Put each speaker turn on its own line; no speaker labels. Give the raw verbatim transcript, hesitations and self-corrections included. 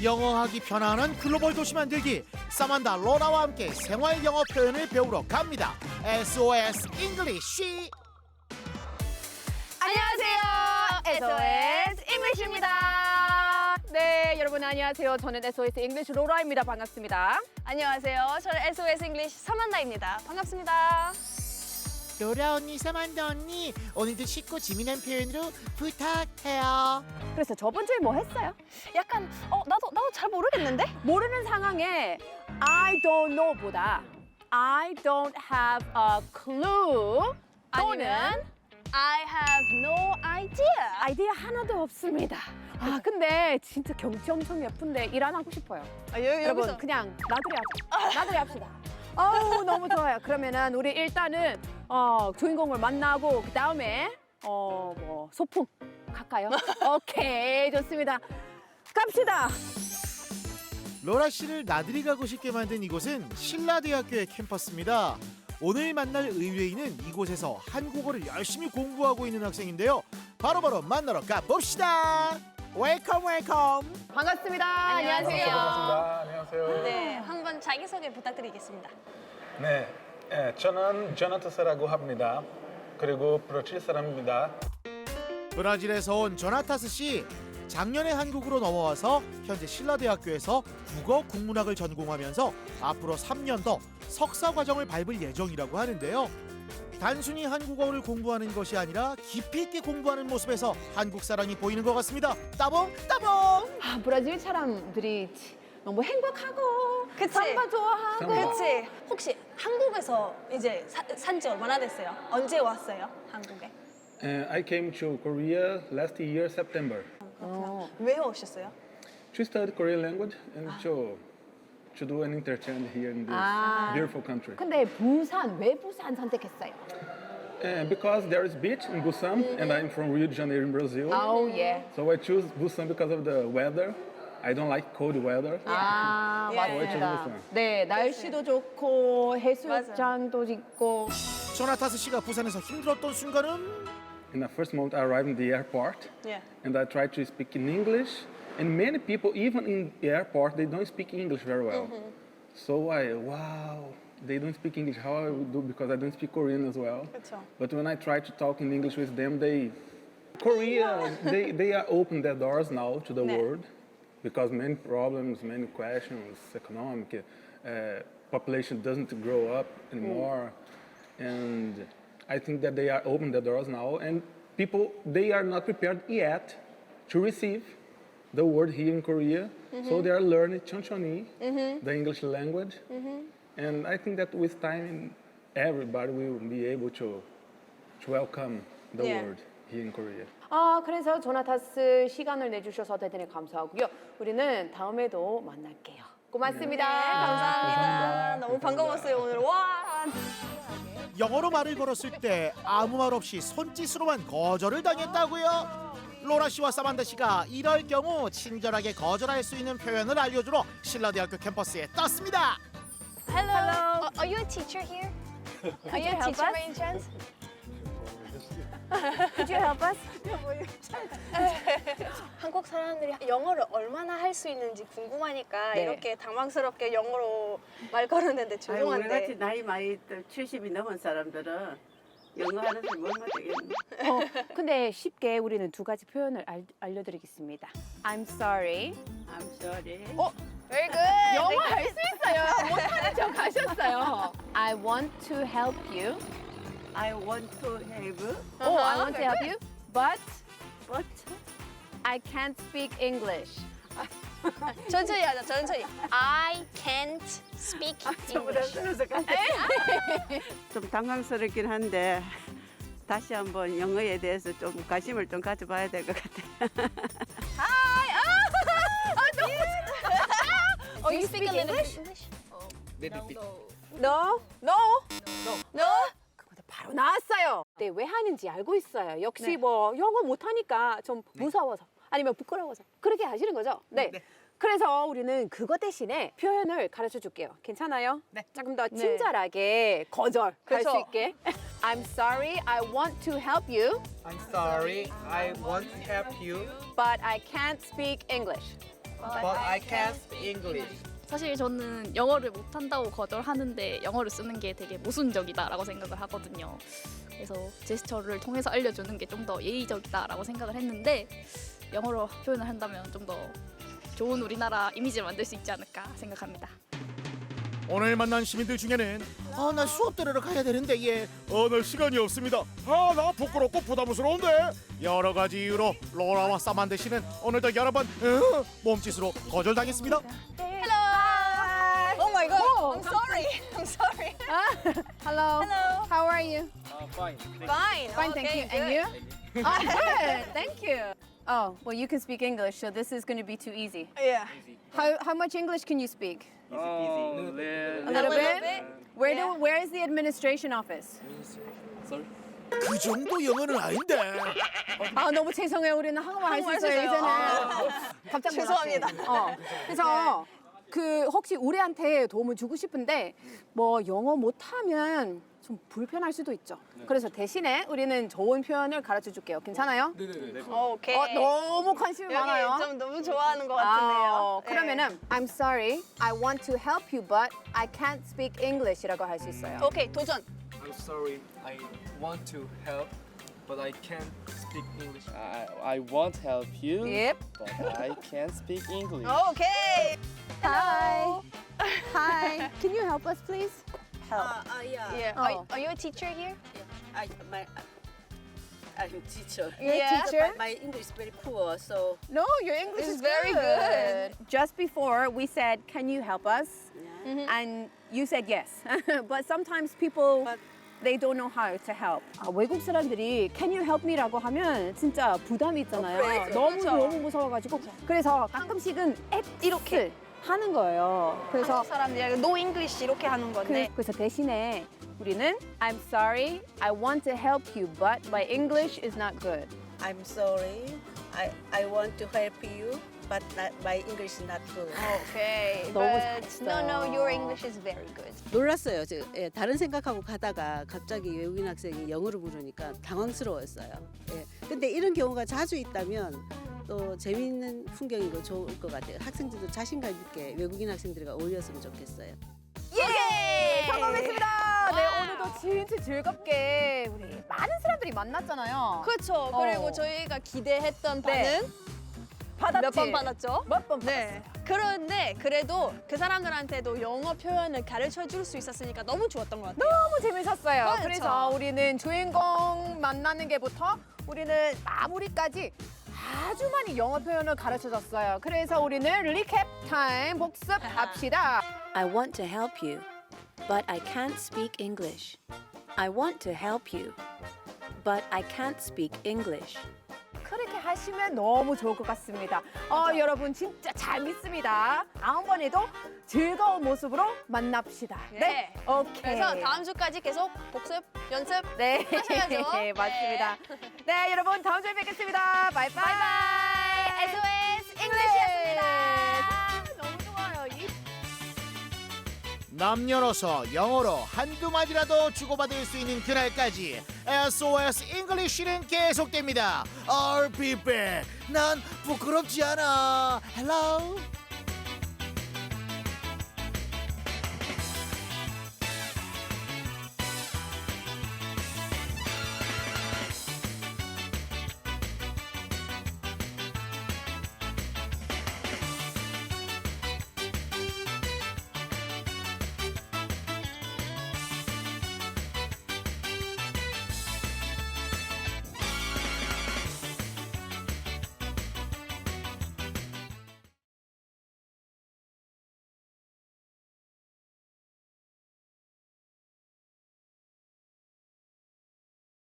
영어하기 편안한 글로벌 도시 만들기 사만다 로라와 함께 생활 영어 표현을 배우러 갑니다. 에스오에스 잉글리쉬.
안녕하세요. 에스오에스 잉글리시입니다. 네, 여러분 안녕하세요. 저는 에스오에스 잉글리시 로라입니다. 반갑습니다.
안녕하세요. 저는 에스오에스 잉글리시 서만다입니다. 반갑습니다.
로라 언니, 사만다 언니, 오늘도 쉽고 재미난 표현으로 부탁해요.
그래서 저번 주에 뭐 했어요?
약간 어 나도 나도 잘 모르겠는데?
모르는 상황에 I don't know보다 I don't have a clue 또는
아니면 I have no idea.
아이디어 하나도 없습니다. 아 근데 진짜 경치 엄청 예쁜데 일 안 하고 싶어요.
아, 여,
여러분
여기서
그냥 나들이 하자. 나들이 합시다. 어우 너무 좋아요. 그러면은 우리 일단은 어, 주인공을 만나고 그 다음에 어 뭐 소풍 갈까요? 오케이 좋습니다. 갑시다.
로라 씨를 나들이 가고 싶게 만든 이곳은 신라대학교의 캠퍼스입니다. 오늘 만날 의뢰인은 이곳에서 한국어를 열심히 공부하고 있는 학생인데요. 바로바로 만나러 가봅시다. 웰컴 웰컴.
반갑습니다.
안녕하세요.
반갑습니다. 안녕하세요.
네, 한번 자기소개 부탁드리겠습니다.
네, 예, 저는 조나타스라고 합니다. 그리고 브라질 사람입니다.
브라질에서 온 조나타스 씨. 작년에 한국으로 넘어와서 현재 신라대학교에서 국어 국문학을 전공하면서 앞으로 삼 년 더 석사 과정을 밟을 예정이라고 하는데요. 단순히 한국어를 공부하는 것이 아니라 깊이 있게 공부하는 모습에서 한국 사랑이 보이는 것 같습니다. 따봉 따봉.
아, 브라질 사람들이 너무 행복하고
그치?
삼바 좋아하고
삼바.
그렇지. 혹시 한국에서 이제 산지 얼마나 됐어요? 언제 왔어요? 한국에?
Uh, I came to Korea last year, September,
어.
왜 오셨어요?
to study Korean language and to to do an interchange here in this
Ah.
beautiful country.
근데 부산 왜 부산 선택했어요?
Uh, because there is beach in Busan, and I'm from Rio de Janeiro in Brazil,
아우 예.
so I choose Busan because of the weather. I don't like cold weather.
아
예.
맞습니다.
부산.
네 날씨도 좋고 해수욕장도 있고.
조나타스 씨가 부산에서 힘들었던 순간은
In the first moment, I arrived in the airport,
예.
and I tried to speak in English. And many people, even in the airport, they don't speak English very well. So I, wow, they don't speak English. How I would do because I don't speak Korean as well.
그렇죠.
But when I try to talk in English with them, they, Korea, they, they are open their doors now to the
네.
world because many problems, many questions, economic, uh, population doesn't grow up anymore. And I think that they are open their doors now, and people, they are not prepared yet to receive the word here in Korea. So they are learning Chonchoni, the English language. And I think that with time, everybody will be able to, to welcome the
Yeah.
word here in Korea.
아 그래서 조나타스 시간을 내주셔서 대단히 감사하고요. 우리는 다음에도 만날게요. 고맙습니다.
감사합니다. 너무 반가웠어요 오늘. 와.
영어로 말을 걸었을 때 아무 말 없이 손짓으로만 거절을 당했다고요. 로라 씨와 사만다 씨가 이럴 경우 친절하게 거절할 수 있는 표현을 알려주러 신라대학교 캠퍼스에 떴습니다.
Hello. Uh, are you a teacher here? Are you a
help
teacher
us?
by any chance?
Could you help us?
한국 사람들이 영어를 얼마나 할 수 있는지 궁금하니까
네.
이렇게 당황스럽게 영어로 말 걸었는데
아유, 우리 같이
죄송한데.
나이 많이 칠십이 넘은 사람들은 영어 하는 사람 얼마 되겠네.
어, 근데 쉽게 우리는 두 가지 표현을 알, 알려드리겠습니다. I'm sorry.
I'm sorry.
어, very good.
영어 할 수 있어요. 못하는 척 하셨어요. I want to help you.
I want to have,
Oh, I want to help you, but
but
I can't speak English.
천천히 하자, 천천히. I can't speak
저보다
English.
들어서 같아. 좀 당황스럽긴 한데 다시 한번 영어에 대해서 좀 관심을 좀 가져봐야 될 것 같아.
Hi. 아, 아, 너무. Oh, you speak a little bit English?
No,
No. No.
그거 바로 나왔어요. 네, 왜 하는지 알고 있어요. 역시 뭐 영어 못하니까 좀 무서워서 아니면 부끄러워서 그렇게 하시는 거죠. 네. 그래서 우리는 그거 대신에 표현을 가르쳐 줄게요. 괜찮아요? 네. 조금 더 친절하게 거절 할 수
그쵸.
있게. I'm sorry, I want to help you,
I'm sorry, I want to help you,
but I can't speak English.
but I can't speak English.
사실 저는 영어를 못한다고 거절하는데 영어를 쓰는 게 되게 모순적이다라고 생각을 하거든요. 그래서 제스처를 통해서 알려주는 게 좀 더 예의적이다라고 생각을 했는데 영어로 표현을 한다면 좀 더 좋은 우리나라 이미지를 만들 수 있지 않을까 생각합니다.
오늘 만난 시민들 중에는 아 나 수업 들으러 가야 되는데 예. 어나 시간이 없습니다. 아 나 부끄럽고 부담스러운데. 여러 가지 이유로 로라와 사만드 씨는 오늘도 여러 번 으, 몸짓으로 거절당했습니다.
Oh my god. I'm sorry. I'm sorry.
Hello.
Hello.
How are you?
Uh, fine.
Fine.
Fine, thank
okay,
you. And
good.
you? Oh, good. Thank you. Oh, well, you can speak English, so this is going to be too easy.
Yeah.
How how much English can you speak?
Oh,
A
little,
little
little
bit.
bit.
Where
Yeah.
do where is the administration office?
sorry.
그 정도 영어는 아닌데.
아 너무 죄송해요. 우리는 한국말 할 수
한국말
있어요
쓰세요.
이제는.
아.
깜짝 놀랐어요.
죄송합니다.
어. 그래서 그 혹시 우리한테 도움을 주고 싶은데 뭐 영어 못하면 좀 불편할 수도 있죠. 그래서 대신에 우리는 좋은 표현을 가르쳐 줄게요. 괜찮아요?
오케이.
어, 너무 관심이 많아요.
여기 좀 너무 좋아하는 것
아,
같은데요.
어, 그러면은 I'm sorry, I want to help you, but I can't speak English이라고 할 수 있어요.
네. 오케이 도전.
I'm sorry, I want to help, but I can't speak English. I, I want help you,
Yep.
but I can't speak English.
오케이.
Hi. Hi. Can you help us, please?
Help.
Uh, uh, yeah.
Yeah.
Oh.
Are, are you a teacher here?
I, my, I'm a teacher.
You're
Yeah.
a teacher?
My English is very poor, so
No, your English
It's
is
very good.
Just before we said, "Can you help us?"
Mm-hmm.
and you said yes. But sometimes people
But-
they don't know how to help. 아, 외국 사람들이 "Can you help me?"라고 하면 진짜 부담이 있잖아요.
그렇죠.
너무
그렇죠.
너무 무서워가지고 그래서 가끔씩은 앱 이렇게 하는 거예요. 그래서
한국 사람들이 no English 이렇게 하는 건데.
그, 그래서 대신에 우리는 I'm sorry, I want to help you, but my English is not good.
I'm sorry. I, I want to help you, but not, my English is not good.
오케이.
너무
But
잘했어요.
no, no, your English is very good.
놀랐어요. 저, 예, 다른 생각하고 가다가 갑자기 외국인 학생이 영어를 부르니까 당황스러웠어요. 예. 근데 이런 경우가 자주 있다면 또 재미있는 풍경이고 좋을 것 같아요. 학생들도 자신감 있게 외국인 학생들과 어울렸으면 좋겠어요.
예!
성공했습니다. 네, 오늘도 진짜 즐겁게 우리 많은 사람들이 만났잖아요.
그렇죠.
어.
그리고 저희가 기대했던
네.
반응
받았지?
몇 번 받았죠?
몇 번
네. 그런데 그래도 그 사람들한테도 영어 표현을 가르쳐 줄 수 있었으니까 너무 좋았던 것 같아요.
너무 재밌었어요.
그렇죠.
그래서 우리는 주인공 만나는 게부터 우리는 마무리까지 아주 많이 영어 표현을 가르쳐줬어요. 그래서 우리는 리캡 타임 복습합시다.
I want to help you, but I can't speak English. I want to help you, but I can't speak English.
그렇게 하시면 너무 좋을 것 같습니다. 어, 여러분 진짜 잘 믿습니다. 다음번에도 즐거운 모습으로 만납시다.
네.
오케이.
그래서 다음 주까지 계속 복습, 연습
네,
하셔야죠.
네, 맞습니다. 네, 여러분 다음 주에 뵙겠습니다. 바이바이.
바이바이. 에스오에스 잉글리시였습니다.
너무 좋아요. 이
남녀노소 영어로 한두 마디라도 주고받을 수 있는 그날까지 에스오에스 잉글리쉬는 계속됩니다. I'll be back. 난 부끄럽지 않아. Hello.